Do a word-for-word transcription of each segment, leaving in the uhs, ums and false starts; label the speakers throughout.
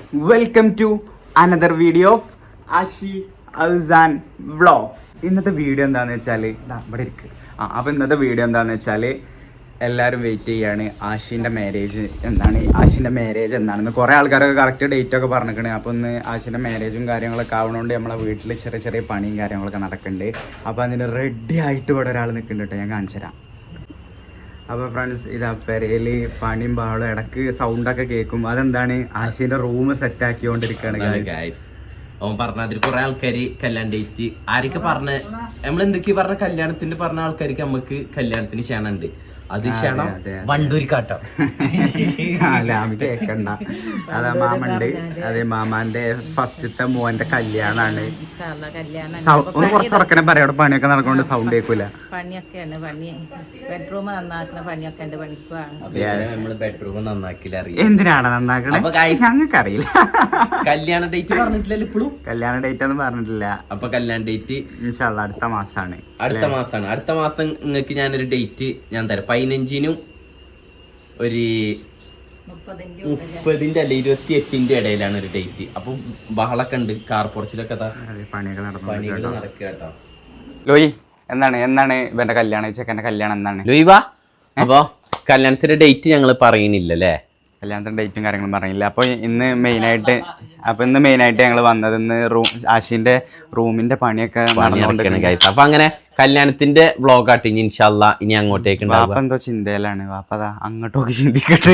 Speaker 1: Welcome to another video of Ashi Ousan vlogs. ഇന്നത്തെ video എന്താണെന്ന് വെച്ചാൽ ഇവിടെ ഇരിക്കുക ആ അപ്പോൾ ഇന്നത്തെ വീഡിയോ എന്താണെന്ന് വെച്ചാൽ എല്ലാവരും വെയിറ്റ് ചെയ്യാണ് ആഷിൻ്റെ മാരേജ് എന്താണ് ആഷിൻ്റെ മാരേജ് എന്താണെന്ന്. കുറേ ആൾക്കാരൊക്കെ കറക്റ്റ് ഡേറ്റ് ഒക്കെ പറഞ്ഞിരിക്കണേ. അപ്പോൾ ഇന്ന് ആഷിൻ്റെ മാരേജും കാര്യങ്ങളൊക്കെ ആവുന്നതുകൊണ്ട് നമ്മളെ വീട്ടിൽ ചെറിയ ചെറിയ പണിയും കാര്യങ്ങളൊക്കെ നടക്കുന്നുണ്ട്. അപ്പോൾ അതിന് റെഡി ആയിട്ട് ഇവിടെ ഒരാൾ നിൽക്കുന്നുണ്ട് കേട്ടോ, ഞാൻ കാണിച്ചു തരാം. അപ്പോൾ ഫ്രണ്ട്സ്, ഇതാ പെരയിൽ പണിയും പാളും ഇടക്ക് സൗണ്ടൊക്കെ കേൾക്കും. അതെന്താണ് ആഷിൻ്റെ റൂം സെറ്റ് ആക്കിക്കൊണ്ടിരിക്കുകയാണ്.
Speaker 2: അവൻ പറഞ്ഞ അതിൽ കുറെ ആൾക്കാര് കല്യാണം ഡേറ്റ് ആരൊക്കെ പറഞ്ഞ നമ്മൾ എന്തൊക്കെയാ പറഞ്ഞ കല്യാണത്തിന്റെ പറഞ്ഞ ആൾക്കാർക്ക് നമുക്ക് കല്യാണത്തിന് ക്ഷണുണ്ട്. അത് ക്ഷണം വണ്ടൂരിക്കാട്ടോ
Speaker 1: കേക്കണ്ട. അതാ മാമണ്ട്, അതെ മാമാന്റെ ഫസ്റ്റത്തെ മോന്റെ കല്യാണാണ്. ഒന്ന് കുറച്ചുറക്കനെ പറയാം, അവിടെ പണിയൊക്കെ നടക്കൊണ്ട് സൗണ്ട് കേൾക്കൂല.
Speaker 3: പണിയൊക്കെയാണ് പണി ബെഡ്റൂം നന്നാക്കുന്ന പണിയൊക്കെ എന്റെ പണിക്കുവാണ്.
Speaker 2: നമ്മള് ബെഡ്റൂം നന്നാക്കില്ല അറിയാം.
Speaker 1: എന്തിനാണ് നന്നാക്കണേ ഞങ്ങൾക്ക് അറിയില്ല.
Speaker 2: കല്യാണ ഡേറ്റ് പറഞ്ഞിട്ടില്ല ഇപ്പോഴും.
Speaker 1: കല്യാണ ഡേറ്റ് ഒന്നും പറഞ്ഞിട്ടില്ല.
Speaker 2: അപ്പൊ കല്യാണ ഡേറ്റ്
Speaker 1: ഇൻഷാ അല്ലാഹ് അടുത്ത മാസമാണ്.
Speaker 2: അടുത്ത മാസമാണ്. അടുത്ത മാസം നിങ്ങൾക്ക് ഞാനൊരു ഡേറ്റ് ഞാൻ തരാം. പതിനഞ്ചിനും ഒരു മുപ്പതിന്റെ അല്ലെ ഇരുപത്തി എട്ടിന്റെ ഇടയിലാണ് ഒരു ഡേറ്റ്. അപ്പൊ ബഹളൊക്കെ ഉണ്ട്, കാർ പൊറച്ചിലൊക്കെ
Speaker 1: പണികൾ
Speaker 2: പണികൾ നടക്കുക കേട്ടോ.
Speaker 1: ലോയി എന്താണ് എന്താണ് ഇവന്റെ കല്യാണം, ചെക്കന്റെ കല്യാണം എന്താണ്?
Speaker 2: ലോയിവ അപ്പൊ കല്യാണത്തിന്റെ ഡേറ്റ് ഞങ്ങൾ പറയണില്ലല്ലേ,
Speaker 1: കല്യാണത്തിന്റെ ഡേറ്റും കാര്യങ്ങളും പറഞ്ഞില്ല. അപ്പോൾ ഇന്ന് മെയിനായിട്ട് അപ്പൊ ഇന്ന് മെയിനായിട്ട് ഞങ്ങൾ വന്നത് ഇന്ന് റൂം ആഷിന്റെ റൂമിന്റെ പണിയൊക്കെ നടന്നുകൊണ്ടിരിക്കുകയാണ്.
Speaker 2: അപ്പൊ അങ്ങനെ കല്യാണത്തിന്റെ വ്ളോഗ് ആട്ട് ഇനി ഇൻഷാല്ല ഇനി അങ്ങോട്ടേക്ക്
Speaker 1: വാപ്പ എന്തോ ചിന്തയിലാണ്. വാപ്പ അതാ അങ്ങോട്ടൊക്കെ ചിന്തിക്കട്ടെ.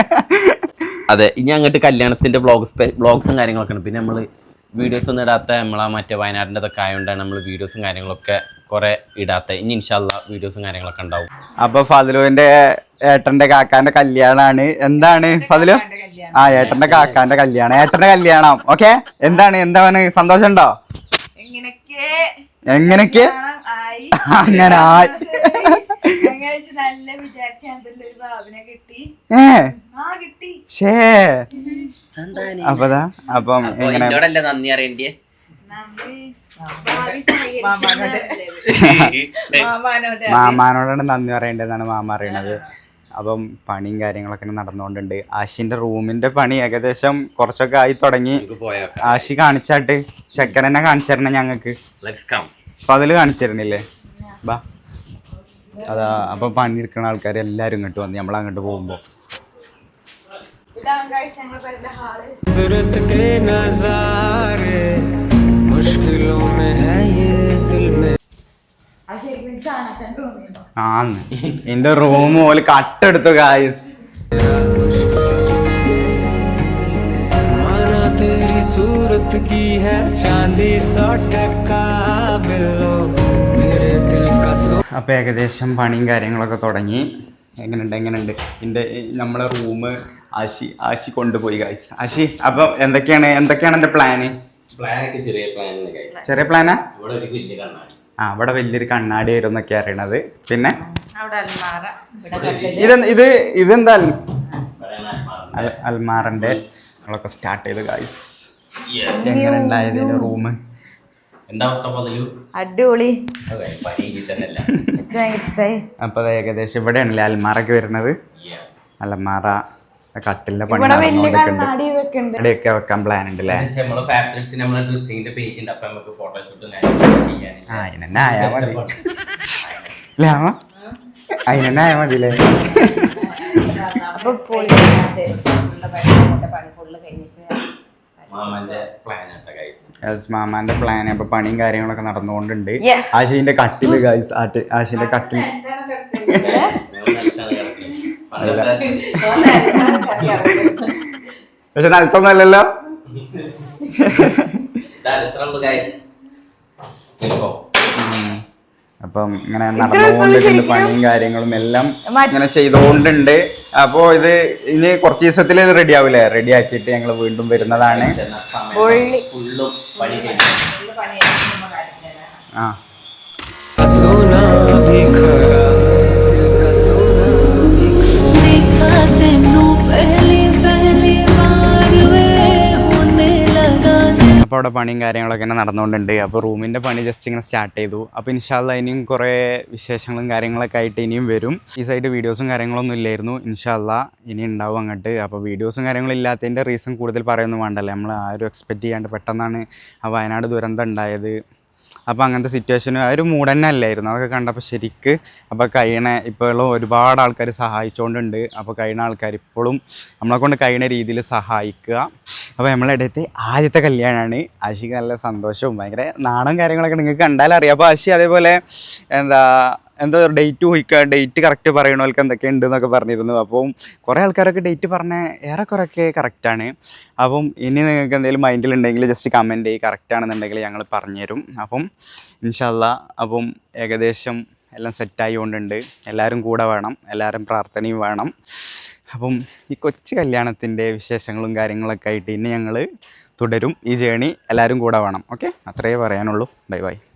Speaker 2: അതെ, ഇനി അങ്ങോട്ട് കല്യാണത്തിന്റെ വ്ളോഗ്സ് വ്ളോഗ്സും കാര്യങ്ങളൊക്കെ ഉണ്ട്. പിന്നെ നമ്മള് വീഡിയോസ് ഒന്നും ഇടാത്ത നമ്മളാ മറ്റേ വയനാടിന്റെ ഒക്കെ ആയതുകൊണ്ടാണ് നമ്മൾ വീഡിയോസും കാര്യങ്ങളൊക്കെ കുറെ ഇടാത്ത. ഇനി ഇൻഷാല്ല വീഡിയോസും കാര്യങ്ങളൊക്കെ ഉണ്ടാവും.
Speaker 1: അപ്പൊ ഫതിലുവിന്റെ ഏട്ടന്റെ കാക്കാന്റെ കല്യാണാണ്. എന്താണ് ഫതിലു? ആ ഏട്ടന്റെ കാക്കാന്റെ കല്യാണം, ഏട്ടന്റെ കല്യാണം. ഓക്കെ, എന്താണ് എന്താണ് സന്തോഷം ഉണ്ടോ? എങ്ങനെയൊക്കെ അങ്ങനെ അപ്പതാ അപ്പം എങ്ങനെ
Speaker 2: നന്ദി അറിയണ്ടേ
Speaker 1: മാമാനോടാണ് നന്ദി പറയേണ്ടതെന്നാണ് മാമ അറിയണത്. അപ്പം പണിയും കാര്യങ്ങളൊക്കെ നടന്നുകൊണ്ടുണ്ട്. ആഷിന്റെ റൂമിന്റെ പണി ഏകദേശം കുറച്ചൊക്കെ ആയി തുടങ്ങി. ആഷി കാണിച്ചാട്ട് ചെക്കനെന്നെ കാണിച്ചു തരണേ ഞങ്ങക്ക്. അപ്പൊ അതില് കാണിച്ചു തരണില്ലേ? ബാ അതാ. അപ്പൊ പണി എടുക്കുന്ന ആൾക്കാർ എല്ലാരും ഇങ്ങോട്ട് വന്നു നമ്മൾ അങ്ങോട്ട് പോകുമ്പോ. ആന്ന് എന്റെ റൂം പോലെ കട്ടെടുത്തു ഗായ്സ്. അപ്പൊ ഏകദേശം പണിയും കാര്യങ്ങളൊക്കെ തുടങ്ങി. എങ്ങനെയുണ്ട് എങ്ങനെയുണ്ട് എൻ്റെ നമ്മളെ റൂം ആശി ആശി കൊണ്ടുപോയി ഗായ്സ്. ആശി അപ്പൊ എന്തൊക്കെയാണ് എന്തൊക്കെയാണ് എന്റെ പ്ലാന്? ചെറിയ പ്ലാനാ? ആ ഇവിടെ വലിയൊരു കണ്ണാടി ആയിരുന്നു എന്നൊക്കെ അറിയണത്. പിന്നെ ഇത് ഇത് ഇതെന്താ അൽമാറിന്റെ നമ്മളൊക്കെ സ്റ്റാർട്ട് ചെയ്ത് ഗായ്സ്. എങ്ങനെ ഉണ്ടായത് റൂം?
Speaker 3: അടിപൊളി,
Speaker 1: അപ്പൊ ഏകദേശം ഇവിടെയാണല്ലേ അൽമാറൊക്കെ വരുന്നത്. അൽമാറ കട്ടിലിന്റെ പണി ഇവിടെയൊക്കെ വെക്കാൻ പ്ലാൻ ഉണ്ട് അല്ലേ? അതിനെന്നെ ആയാ മതി അതിനെന്നെ ആയാ മതില്ലേ? മാമാന്റെ പ്ലാൻ. അപ്പൊ പണിയും കാര്യങ്ങളൊക്കെ നടന്നുകൊണ്ടുണ്ട്. ആശിന്റെ കട്ടില് ഗൈസ്, ആശിന്റെ കട്ടിൽ പക്ഷെ നിലത്തൊന്നല്ലല്ലോ. അപ്പം ഇങ്ങനെ നടന്നുകൊണ്ടിട്ടുണ്ട് പണിയും കാര്യങ്ങളും എല്ലാം ഇങ്ങനെ ചെയ്തുകൊണ്ടുണ്ട്. അപ്പോ ഇത് ഇനി കുറച്ച് ദിവസത്തിൽ ഇത് റെഡി ആവില്ലേ? റെഡി ആക്കിയിട്ട് ഞങ്ങൾ വീണ്ടും വരുന്നതാണ്. ആ അപ്പോൾ അവിടെ പണിയും കാര്യങ്ങളൊക്കെ ഇങ്ങനെ നടന്നുകൊണ്ടുണ്ട്. അപ്പോൾ റൂമിൻ്റെ പണി ജസ്റ്റ് ഇങ്ങനെ സ്റ്റാർട്ട് ചെയ്തു. അപ്പോൾ ഇൻഷാല്ല ഇനിയും കുറേ വിശേഷങ്ങളും കാര്യങ്ങളൊക്കെ ആയിട്ട് ഇനിയും വരും. ഈ സൈഡ് വീഡിയോസും കാര്യങ്ങളൊന്നും ഇല്ലായിരുന്നു. ഇൻഷാല്ല ഇനി ഉണ്ടാവും അങ്ങോട്ട്. അപ്പോൾ വീഡിയോസും കാര്യങ്ങളും ഇല്ലാത്തതിൻ്റെ റീസൺ കൂടുതൽ പറയൊന്നും വേണ്ടല്ലോ. നമ്മൾ ആരും എക്സ്പെക്റ്റ് ചെയ്യാണ്ട് പെട്ടെന്നാണ് ആ വയനാട് ദുരന്തം ഉണ്ടായത്. അപ്പോൾ അങ്ങനത്തെ സിറ്റുവേഷനും ആ ഒരു മൂഡ് തന്നെ അല്ലായിരുന്നു. അതൊക്കെ കണ്ടപ്പോൾ ശരിക്ക് അപ്പോൾ കഴിയണ ഇപ്പോഴും ഒരുപാട് ആൾക്കാർ സഹായിച്ചുകൊണ്ടുണ്ട്. അപ്പോൾ കഴിയുന്ന ആൾക്കാർ ഇപ്പോഴും നമ്മളെ കൊണ്ട് കഴിയുന്ന രീതിയിൽ സഹായിക്കുക. അപ്പോൾ നമ്മളെ ഇടത്തെ ആദ്യത്തെ കല്യാണമാണ്. ആശിക്ക് നല്ല സന്തോഷവും ഭയങ്കര നാണം കാര്യങ്ങളൊക്കെ നിങ്ങൾക്ക് കണ്ടാലറിയാം. അപ്പോൾ ആശി അതേപോലെ എന്താ എന്താ ഡേറ്റ് ചോദിക്കുക, ഡേറ്റ് കറക്റ്റ് പറയണവർക്ക് എന്തൊക്കെ ഉണ്ട് എന്നൊക്കെ പറഞ്ഞിരുന്നു. അപ്പം കുറേ ആൾക്കാരൊക്കെ ഡേറ്റ് പറഞ്ഞ ഏറെക്കുറെയൊക്കെ കറക്റ്റാണ്. അപ്പം ഇനി നിങ്ങൾക്ക് എന്തെങ്കിലും മൈൻഡിലുണ്ടെങ്കിൽ ജസ്റ്റ് കമൻറ്റ് ചെയ്യും, കറക്റ്റാണെന്നുണ്ടെങ്കിൽ ഞങ്ങൾ പറഞ്ഞുതരും. അപ്പം ഇൻഷാല്ലാ അപ്പം ഏകദേശം എല്ലാം സെറ്റായി കൊണ്ടുണ്ട്. എല്ലാവരും കൂടെ വേണം, എല്ലാവരും പ്രാർത്ഥനയും വേണം. അപ്പം ഈ കൊച്ചു കല്യാണത്തിൻ്റെ വിശേഷങ്ങളും കാര്യങ്ങളൊക്കെ ആയിട്ട് ഇനി ഞങ്ങൾ തുടരും. ഈ ജേണി എല്ലാവരും കൂടെ വേണം. ഓക്കെ, അത്രയേ പറയാനുള്ളൂ. Bye by.